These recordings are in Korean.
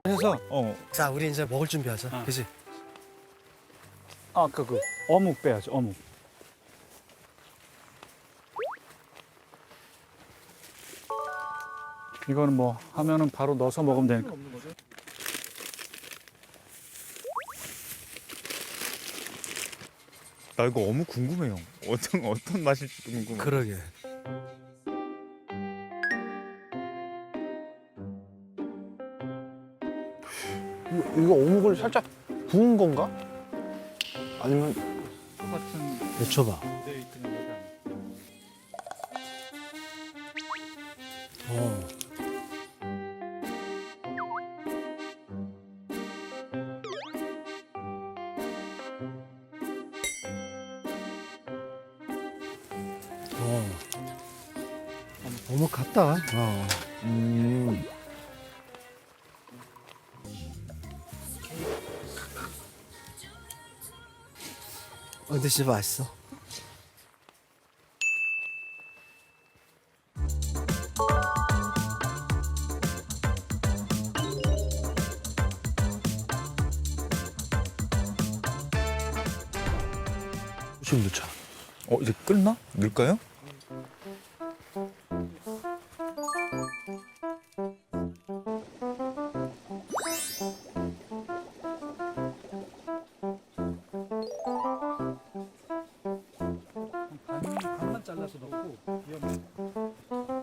해서 자, 우리 이제 먹을 준비하자. 그지? 아까 그 어묵 빼야지 어묵. 이거는 뭐 하면은 바로 넣어서 먹으면 되니까. 나 이거 어묵 궁금해요. 어떤 맛일지 궁금해. 그러게. 이거 어묵을 살짝 구운 건가? 아니면 똑같은 데쳐봐. 데이트는 거다. 어. 어. 어묵 같다. 어. 근데 진짜 맛있어. 지금 넣자. 이제 끓나? 넣을까요? 반만 잘라서 넣고 비워.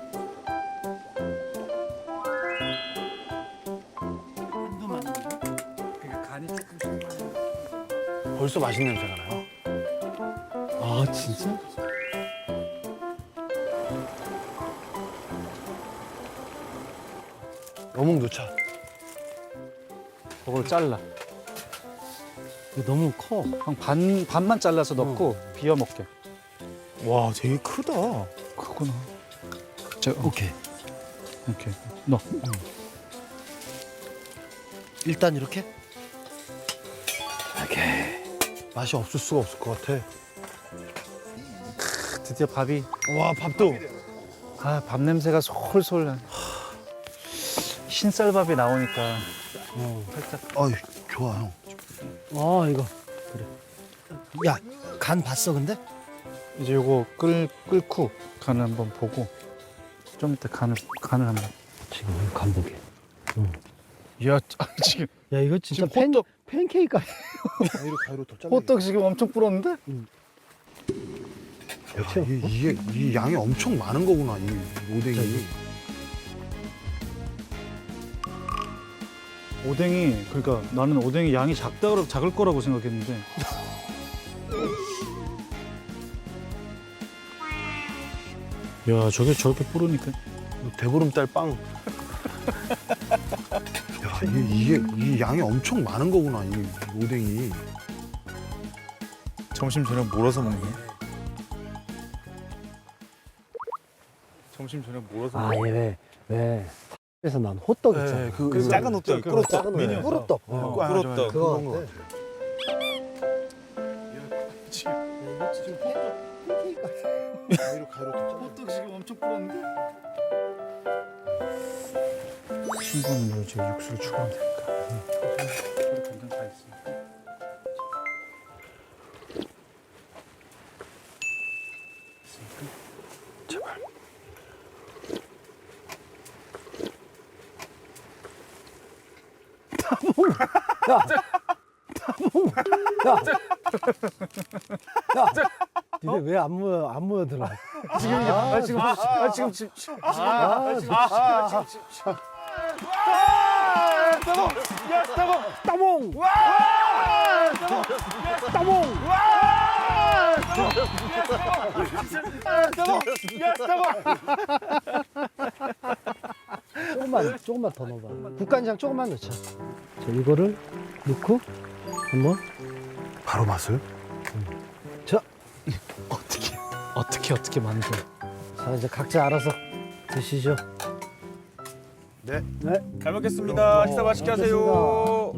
한두 많이 그러니까 간이 조금씩. 벌써 맛있는 냄새가 나요. 아, 진짜? 어묵 넣자. 그걸 잘라. 이거 너무 커. 반만 잘라서 넣고 비워 먹게. 와, 되게 크다. 그거나. 자, 오케이. 이렇게 넣어. 일단 이렇게? 맛이 없을 수가 없을 것 같아. 드디어 밥이. 와, 밥도. 아, 밥 냄새가 솔솔 나. 흰쌀밥이 나오니까 살짝. 어이, 좋아, 형. 아, 이거. 그래. 야, 간 봤어, 근데? 이제 요거 끓고 간을 한번 보고 좀 이따 간을 한번. 지금 간 보게. 야, 지금 야, 이거 진짜 지금 팬케이크 같아. 가위로 더 잘라. 호떡 지금 엄청 불었는데? 야, 이 양이 엄청 많은 거구나, 이 오뎅이. 오뎅이 그러니까 나는 오뎅이 양이 작을 거라고 생각했는데. 야, 저렇게 불으니까. 대보름달 빵. 야, 이 양이 엄청 많은 거구나, 이 오뎅이. 점심 저녁 몰아서 먹네. 점심 저녁 몰아서 아, 먹네. 얘 왜? 그래서 난 호떡 있잖아. 그 작은 호떡, 꿀호떡. 작은 미니 꿀호떡. 꿀호떡. 그거 그런 거 같아. 이거 지금 팬케이크 같아. 가위로 더 잘라. 호떡 지금 엄청 불었는데? 신분으로 이제 육수를 추가하면 되니까. 간장 다 있으니까. 제발. 니네 왜 안 모여들어? 조금만 더 넣어봐. 국간장 조금만 넣자. 자, 이거를 넣고 한번. 바로 맛을? 자, 어떻게 만들어? 자 이제 각자 알아서 드시죠. 네. 네. 잘 먹겠습니다. 식사 맛있게 하세요.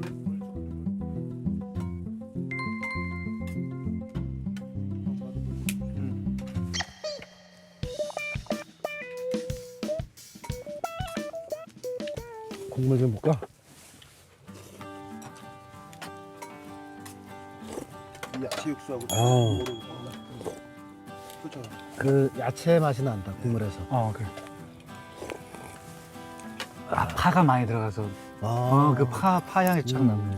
국물 좀 볼까? 야채 육수하고 어. 그렇죠. 그 야채 맛이 난다 국물에서. 그래. 파가 많이 들어가서 그 파향이 쫙 나네.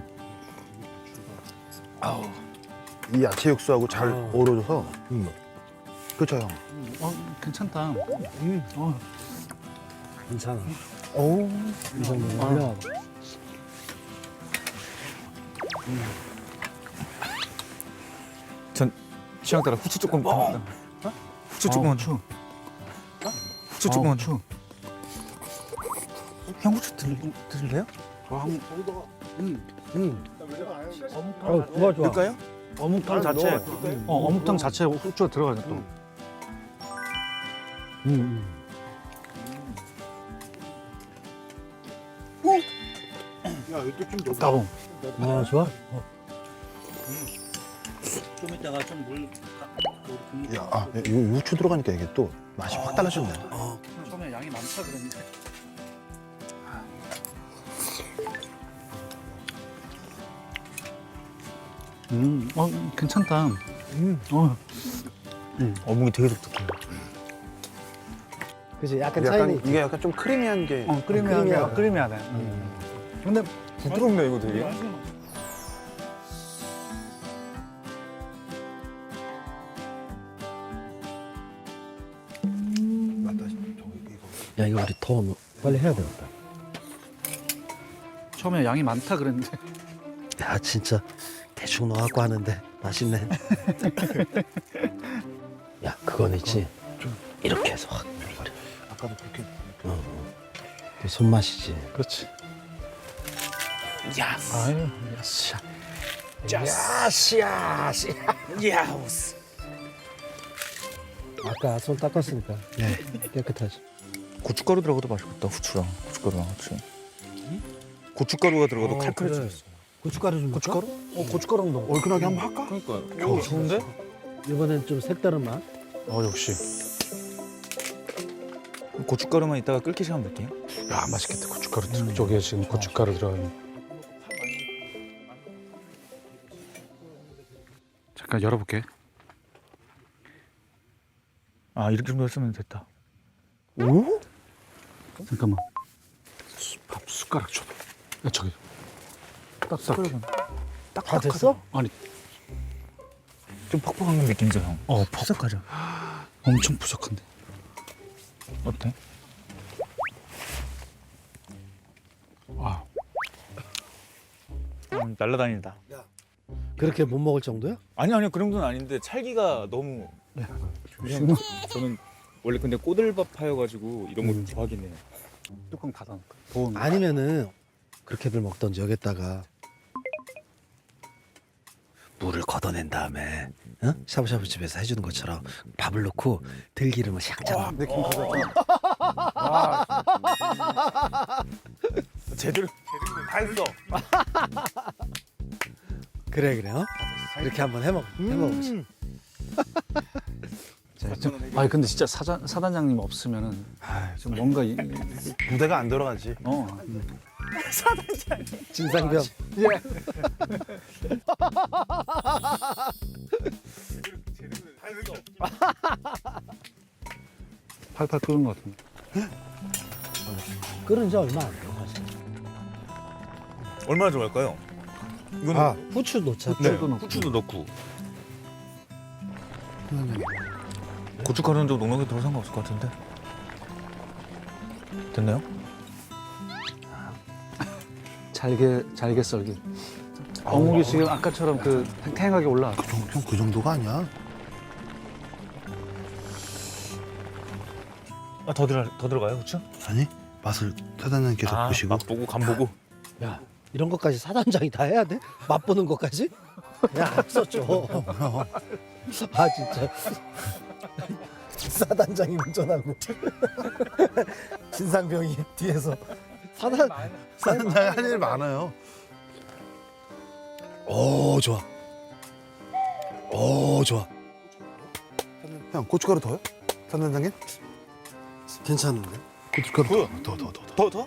이 야채 육수하고 잘 어. 어우러져서 그렇죠 형. 괜찮다. 괜찮아. 오. 이 정도면 훌륭하다. 전 취향 따라 후추 조금 더. 후추 조금만 줘. 후추 조금만 줘. 형 후추 드실래요? 좋아 좋아. 넣을까요? 어묵탕 자체. 어묵탕 자체에 후추가 들어가네 또. 야 이때 좀 넣어. 따봉. 아 좋아. 좀 이따가 좀물 야, 이 후추 들어가니까 이게 또 맛이 확 달라졌네. 처음에 양이 많다 그랬는데. 괜찮다. 어묵이 되게 독특해. 그지 약간 차이는 있지. 이게 약간 좀 크리미한 게. 크리미하네. 근데 부드럽네 이거 되게. 맞다. 저기 이거. 야 이거 우리 더 빨리 해야 되겠다. 처음에 양이 많다 그랬는데. 야 진짜 대충 넣어갖고 하는데 맛있네. 야 그건 있지. 좀 이렇게 해서 확 버려. 아까도 그렇게. 그 손맛이지. 그렇지. 야스. 아유, 야스. 야시야시. 야스. 아까 손 닦았으니까 깨끗하지. 고춧가루 들어가도 맛있겠다. 후추랑 고춧가루랑 같이. 고춧가루가 들어가도 칼칼해지겠어. 고춧가루 좀 고춧가루? 고춧가루 넣어. 얼큰하게 한번 할까? 그러니까. 좋은데? 이번엔 좀 색다른 맛. 역시. 고춧가루만 이따가 끓기 시간 볼게요. 야, 맛있겠다. 고춧가루 저기에 지금 고춧가루 들어가는. 잠깐 열어볼게. 아 이렇게 좀 했으면 됐다. 오? 잠깐만. 밥 숟가락 줘봐. 야, 저기. 딱딱해. 다 됐어? 아니, 좀 퍽퍽한 느낌이죠 형. 퍽퍽하죠. 엄청 부족한데. 어때? 와. 날라다닌다. 그렇게 못 먹을 정도야? 아니요 그 정도는 아닌데 찰기가 너무. 저는 원래 근데 꼬들밥파여가지고 이런 거 좋아하긴 해요. 뚜껑 닫아놓을까? 더운. 아니면은 그렇게들 먹던지 여기다가 물을 걷어낸 다음에 샤브샤브 집에서 해주는 것처럼 밥을 넣고 들기름을 샥 내 김가루. 제대로 다 했어. 그래 이렇게 한번 해먹어보지. 아니 근데 진짜 사단장님 없으면은 좀 뭔가 무대가 안 돌아가지. 진상병. 팔팔 끓는 것 같은데. 끓은 지 얼마 안 돼. 사실. 얼마나 좋아할까요? 이거는 후추 넣자. 후추도 넣고. 후추도 넣고. 고춧가루는 좀 농락이 덜 상관없을 것 같은데. 됐나요? 잘게 썰기. 어묵이 지금 아까처럼 그 탱탱하게 올라왔어. 형 그 정도가 아니야. 더 들어가요 후추? 아니 맛을 사장님께서 보시고. 맛보고 간 보고. 야 이런 것까지 사단장이 다 해야 돼? 맛보는 것까지? 야 앞서줘. 아 진짜. 사단장이 운전하고 진상병이 뒤에서 사장님 할 일 많아요. 오 좋아. 형 고춧가루 더요? 사장님? 괜찮은데? 고춧가루 더. 더?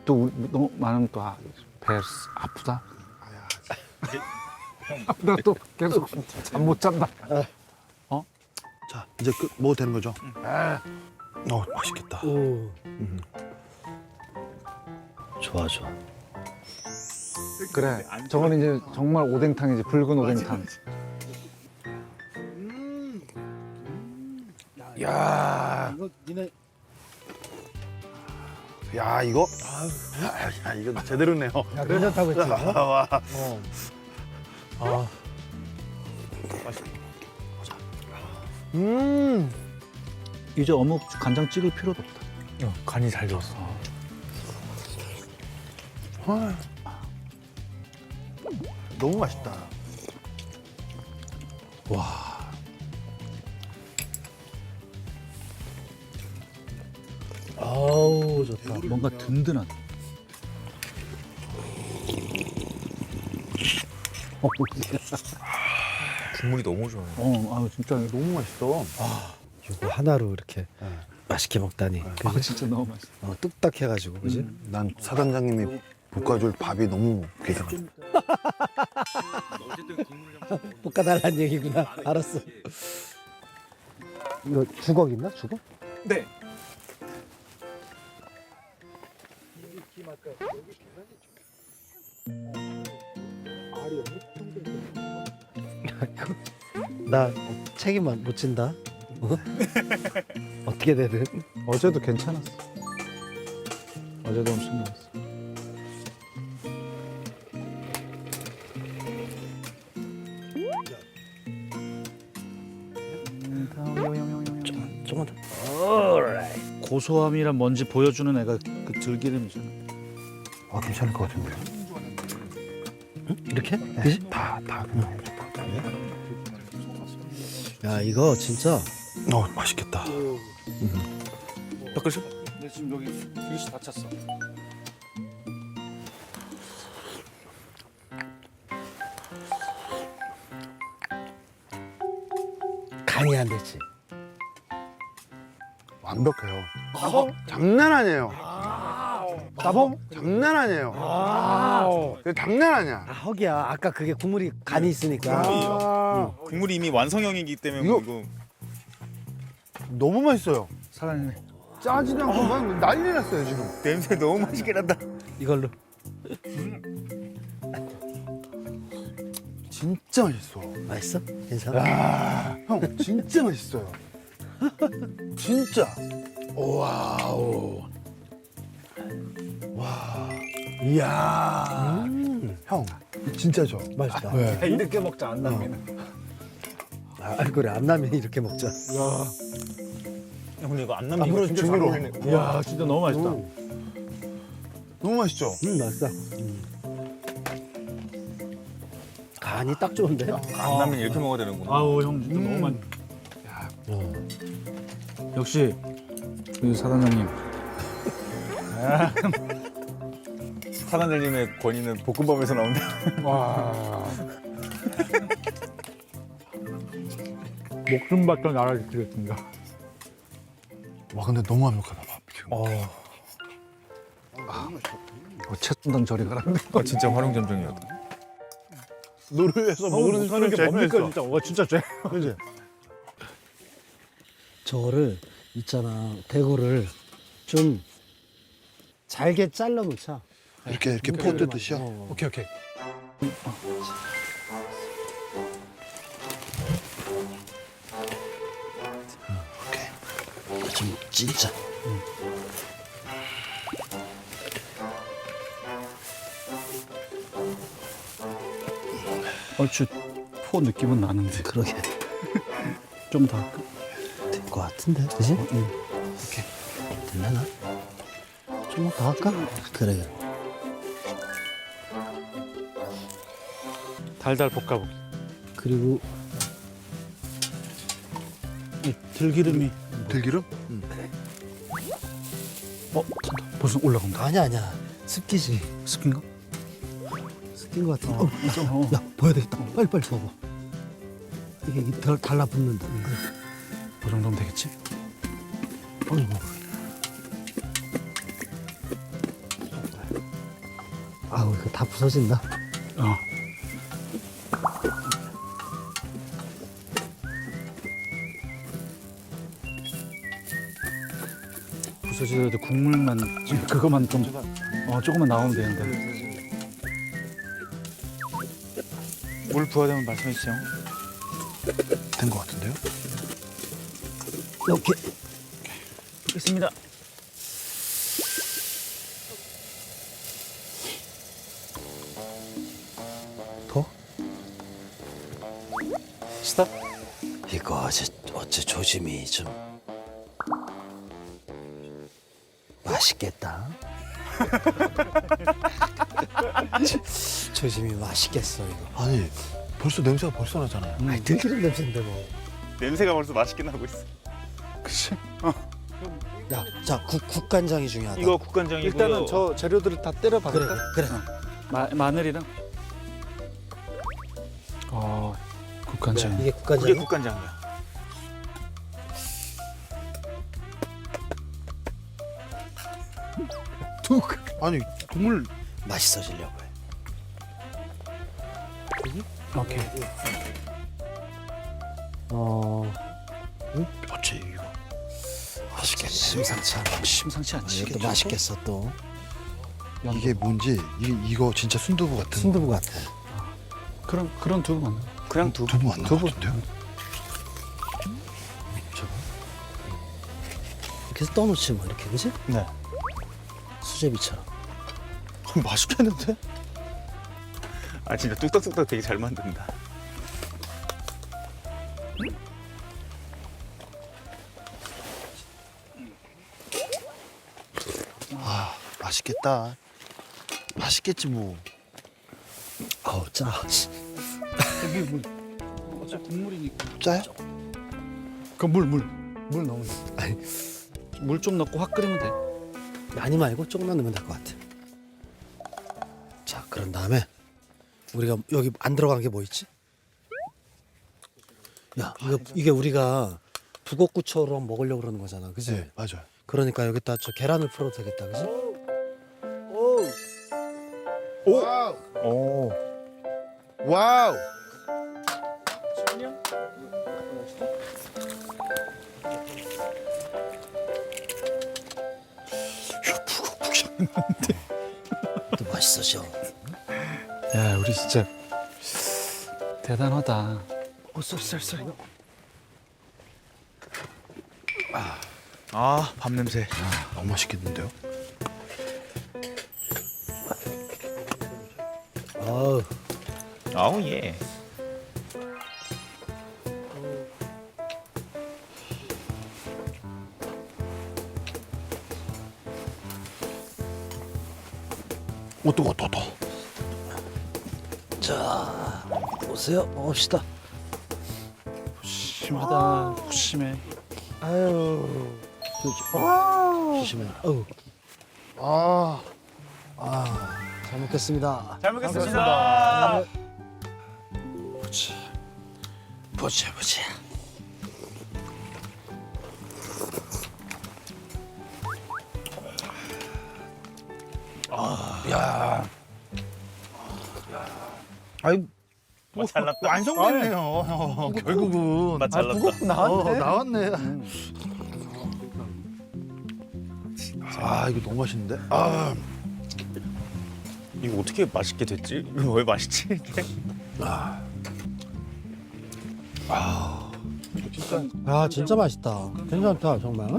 또 너무 많으면 또 배 아프다. 나 또 계속 잠 못 잔다. 자 이제 먹어도 되는 거죠? 맛있겠다. 오. 좋아 좋아. 그래. 저건 이제 정말 오뎅탕이지. 붉은 오뎅탕. 야, 이거 니네 야 이거, 야 이거 제대로네요. 야 괜찮다고 했지? 와, 아 이제 어묵 간장 찍을 필요도 없다. 간이 잘 되었어. 너무 맛있다. 아우 좋다. 뭔가 든든한. 국물이 너무 좋아요. 진짜 너무 맛있어. 이거 하나로 이렇게 맛있게 먹다니. 그지? 진짜 너무 맛있어. 뚝딱 해가지고 그지? 난 사단장님이 볶아줄 밥이 너무 귀하다. 볶아달라는 얘기구나. 알았어. 이거 주걱 있나? 주걱? 네. 나 책임만 못 진다. 어떻게 되든. 어제도 괜찮았어. 어제도 엄청 좋았어. 조금만 더. 고소함이란 뭔지 보여주는 애가 그 들기름이잖아. 괜찮을 것 같은데. 이렇게? 그지? 다. 야 이거 진짜 맛있겠다. 닦으셔? 근데 지금 여기 그릇이 다쳤어. 간이 안 됐지. 완벽해요. 장난 아니에요. 따봉? 장난 아니에요. 그게 장난 아니야. 허기야. 아까 그게 국물이 간이 있으니까. 국물이 이미 완성형이기 때문에 이거- 너무 맛있어요. 사장님. 짜지도 않고 막 난리 났어요 지금. 냄새 너무 맛있게 난다. 이걸로. 진짜 맛있어. 맛있어? 괜찮아? 야, 형 진짜 맛있어요. 진짜. 와우. 와. 이야. 형 진짜죠. 맛있다. 네. 이렇게 먹자 안 남기는. 그래 안 나면 이렇게 먹자. 근데 이거 안 남는 앞으로 중으로. 이야 진짜 너무 맛있다. 너무 맛있죠. 맛있다. 간이 딱 좋은데? 안 나면 이렇게 먹어야 되는구나. 아우 형 진짜 너무 맛. 역시 그 사장님. 사단장님의 권위는 볶음밥에서 나온다. 와. 목숨 바쳐 날아주시겠습니다. 와 근데 너무 완벽하다 밥 지금. 채순당 저리 가라는데. 진짜 활용점정이었다. 노르웨이에서 먹는 사는 게 뭡니까 진짜. 와 진짜 쟤. 그지? 저거를 있잖아 대구를 좀 잘게 잘라 놓자. 이렇게 포 뜯듯이요. 오케이 오케이. 좀 진짜. 얼추 포 느낌은 나는데. 그러게 좀 더. 될 것 같은데, 그지? 오케이. 되려나? 좀 더 할까? 그래. 달달 볶아보기. 그리고 이 들기름이. 들기름? 탄다. 벌써 올라간다. 아니야. 습기지. 스킨가? 습긴 것 같은데. 야, 보여야 되겠다. 빨리 먹어. 이게 달라붙는다. 그 정도면 되겠지? 어이구. 아우 이거 다 부서진다. 어. 부서지더라도 국물만 그거만 좀 조금만 나오면 되는데. 물 부어야 되면 말씀해 주세요. 된 것 같은데요? 이렇게 있습니다. 더? 스탑. 이거 어째 조짐이 좀 맛있겠다. 조짐이 맛있겠어 이거. 아니 벌써 냄새가 벌써 나잖아요. 아니 들기름 냄새인데 뭐. 냄새가 벌써 맛있게 나고 있어. 그치. 야, 자 국간장이 중요하다. 이거 국간장이고요. 일단은 저 재료들을 다 때려 그래 박을까? 그래. 마늘이랑. 국간장. 이게 그게 국간장이. 국간장이야. 아니 국물 맛있어지려고 해. 오케이. 어째 이거 맛있겠네. 심상치 않아. 심상치 않지. 이것도 맛있겠어 또. 이게 뭔지 이거 진짜 순두부 같은 순두부 같아. 그런 두부 맞나? 그냥 두부 맞는 것 같은데요? 이렇게 해서 떠놓지 뭐 이렇게 그지? 네. 수제비처럼. 맛있겠는데? 아 진짜 뚝딱뚝딱 되게 잘 만든다. 아 맛있겠다. 맛있겠지 뭐. 아우 짜. 여기 물. 어차피 국물이니까. 짜요? 물 넣으면 돼. 물 좀 넣고 확 끓이면 돼. 많이 말고 조금만 넣으면 될 것 같아. 자 그런 다음에 우리가 여기 안 들어간 게 뭐 있지? 야 이게 우리가 북엇구처럼 먹으려고 그러는 거잖아, 그지? 네 맞아요. 그러니까 여기다 저 계란을 풀어도 되겠다, 그지? 와우 오. 와우. 또 맛있어져. 야, 우리 진짜 대단하다. 쏠쏠쏠 이거. 아, 밥 냄새. 너무 맛있겠는데요? 아우 아우 예. 뜨거. 자 보세요, 먹읍시다. 심하다. 심해. 아유 조심해. 어우 잘 먹겠습니다. 잘 먹겠습니다. 보자. 아니 맛 잘났다. 완성됐네요. 결국은 맛 잘났다. 나왔네. 아 이거 너무 맛있는데? 아 이거 어떻게 맛있게 됐지? 이거 왜 맛있지? 이게? 진짜 맛있다. 괜찮다 정말.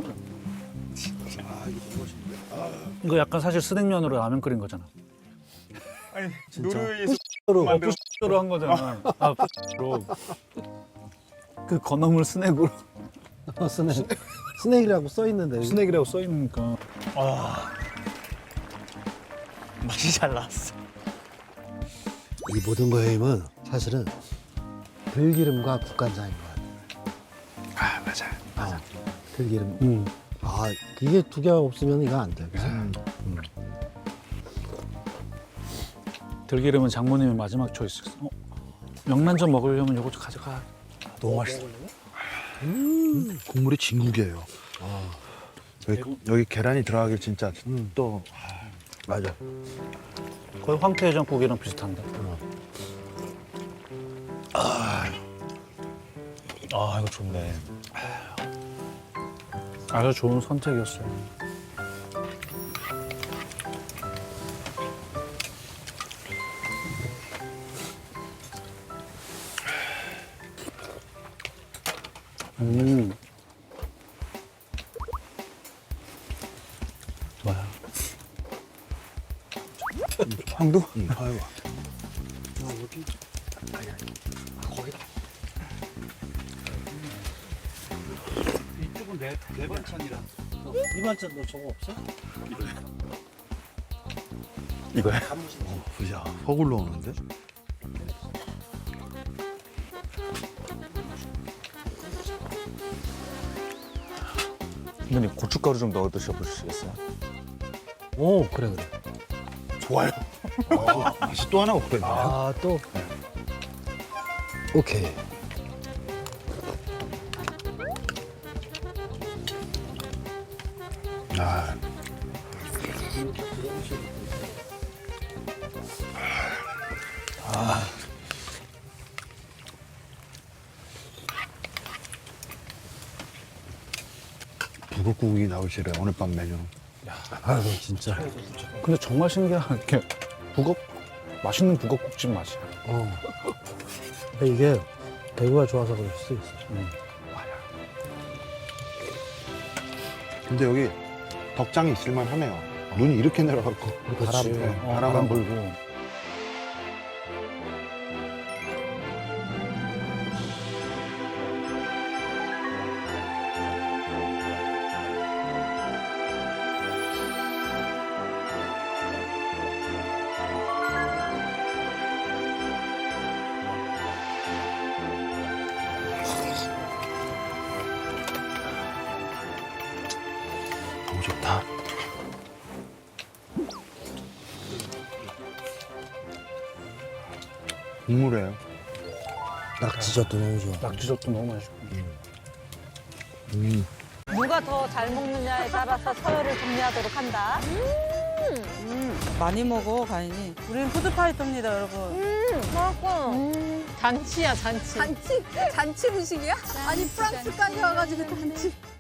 이거 약간 사실 스낵면으로 라면 끓인 거잖아. 아니 노르웨이에서 로 만든 로 한 거잖아. 로. 그 건어물 스낵으로. 스낵이라고 써 있는데. 스낵이라고 써 있으니까. 맛이 잘 나왔어. 이 모든 거의 힘은 사실은 들기름과 국간장인 것 같아. 아, 맞아. 들기름. 이게 두 개가 없으면 이거 안 돼. 그치? 들기름은 장모님의 마지막 초이스. 명란젓 먹으려면 요거 좀 가져가. 너무 맛있어. 국물이 진국이에요. 여기 계란이 들어가길 진짜 또 맞아. 거의 황태해장국이랑 비슷한데. 아 이거 좋네. 아주 좋은 선택이었어요. 좋아요. 황도? 응, 아이고. 이쪽은 내 반찬이라. 이 반찬 너 저거 없어? 이거야? 야, 허굴러 오는데? 선배님 고춧가루 좀 넣어 드셔보시겠어요? 오, 그래. 좋아요. 맛이 또 하나 없거든요. 아, 또. 오케이. 아, 북엇국이 나오시래 오늘 밤 메뉴. 아유, 진짜. 근데 정말 신기한 게 맛있는 북엇국집 맛이야. 어. 근데 이게 대구가 좋아서 그럴 수도 있어. 근데 여기 덕장이 있을만 하네요. 눈이 이렇게 내려갖고. 바람, 바람 불고. 너무 좋다. 국물이에요. 낙지젓도 너무 좋아. 낙지젓도 너무 맛있고. 누가 더 잘 먹느냐에 따라서 서열을 정리하도록 한다. 많이 먹어, 가인이. 우리는 푸드파이터입니다, 여러분. 맛있어. 잔치야, 잔치. 잔치? 잔치 음식이야? 아니 프랑스까지 와가지고 잔치.